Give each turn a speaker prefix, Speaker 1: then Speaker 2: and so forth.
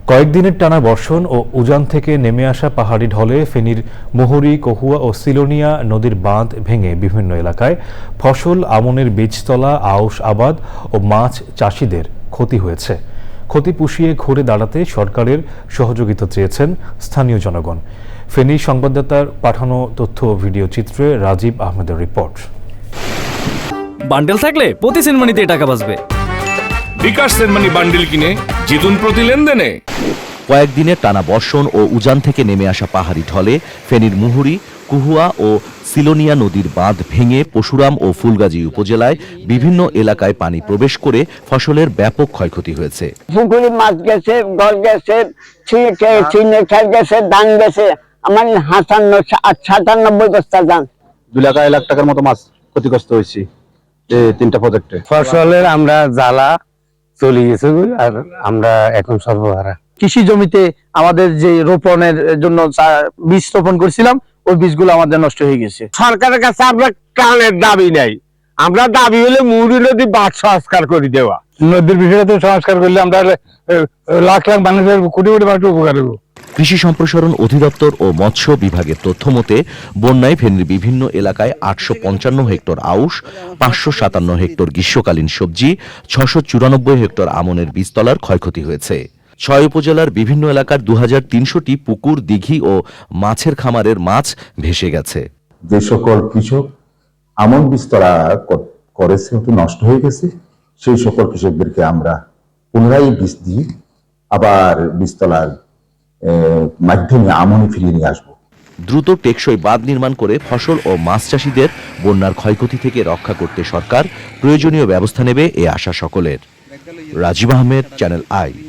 Speaker 1: কয়েকদিনের টানা বর্ষণ ও উজান থেকে নেমে আসা পাহাড়ি ঢলে ফেনীর মুহুরী, কহুয়া ও সিলোনিয়া নদীর বাঁধ ভেঙে বিভিন্ন এলাকায় ফসল, আমনের বীজতলা, আউশ আবাদ ও মাছ চাষিদের ক্ষতি হয়েছে। ক্ষতি পুষিয়ে ঘুরে দাঁড়াতে সরকারের সহযোগিতা চেয়েছেন স্থানীয় জনগণ। ফেনী সংবাদদাতার পাঠানো তথ্য ও ভিডিও চিত্রে রাজীব আহমেদের রিপোর্ট।
Speaker 2: বান্ডেল থাকলে প্রতি সেনমানিতে টাকা বাঁচবে।
Speaker 3: বিকাশ সেনমানি বান্ডেল কিনে জিতুন প্রতি লেনদেনে।
Speaker 4: কয়েকদিনের টানা বর্ষণ ও উজান থেকে নেমে আসা পাহাড়ি ঢলে ফেনীর মুহুরী, কহুয়া ও সিলোনিয়া নদীর বাঁধ ভেঙে পশুরাম ও ফুলগাজী উপজেলায় বিভিন্ন এলাকায় পানি প্রবেশ করে ফসলের ব্যাপক ক্ষয়ক্ষতি হয়েছে।
Speaker 5: পুকুরে মাছ গেছে, গল গেছে, চিনে খেল গেছে, ধান গেছে। আমার 97 বস্তা ধান,
Speaker 6: 2 লাখ টাকার মতো মাছ ক্ষতিগ্রস্ত হয়েছে এই 3টা প্রজেক্টে।
Speaker 7: ফসলের আমরা জ্বালা চলে গেছে আর আমরা এখন সর্বহারা। কৃষি জমিতে আমাদের যে রোপণের জন্য বীজ রোপণ করেছিলাম, ওই বীজগুলো আমাদের নষ্ট হয়ে গেছে।
Speaker 8: সরকারের কাছে আমরা কানের দাবি নাই, আমরা দাবি হলে মুহুরী নদী বাঁধ সংস্কার করে দেওয়া।
Speaker 7: নদীর বিষয়টা সংস্কার করলে আমরা লাখ লাখ মানুষের কোটি কোটি মানুষের উপকার হবো।
Speaker 4: কৃষি সম্প্রসারণ অধিদপ্তর ও মৎস্য বিভাগের তথ্য মতে বন্যায় ফেনীর বিভিন্ন এলাকায় 855 হেক্টর আউশ, 557 হেক্টর গ্রীষ্মকালীন সবজি, 694 হেক্টর আমনের বীজতলার ক্ষয়ক্ষতি হয়েছে। 6 উপজেলার বিভিন্ন এলাকার 2300টি পুকুর, দিঘি ও মাছের খামারের মাছ ভেসে গেছে।
Speaker 9: যে সকল কৃষক আমন বীজতলা করেছে নষ্ট হয়ে গেছে, সেই সকল কৃষকদেরকে আমরা পুনরায় বীজ দিয়ে আবার বীজতলার মাধ্যমে আমনে ফিরিয়ে নিয়ে আসবো।
Speaker 4: দ্রুত টেকসই বাঁধ নির্মাণ করে ফসল ও মাছ চাষিদের বন্যার ক্ষয়ক্ষতি থেকে রক্ষা করতে সরকার প্রয়োজনীয় ব্যবস্থা নেবে এ আশা সকলের। Rajib Ahmed, channel I.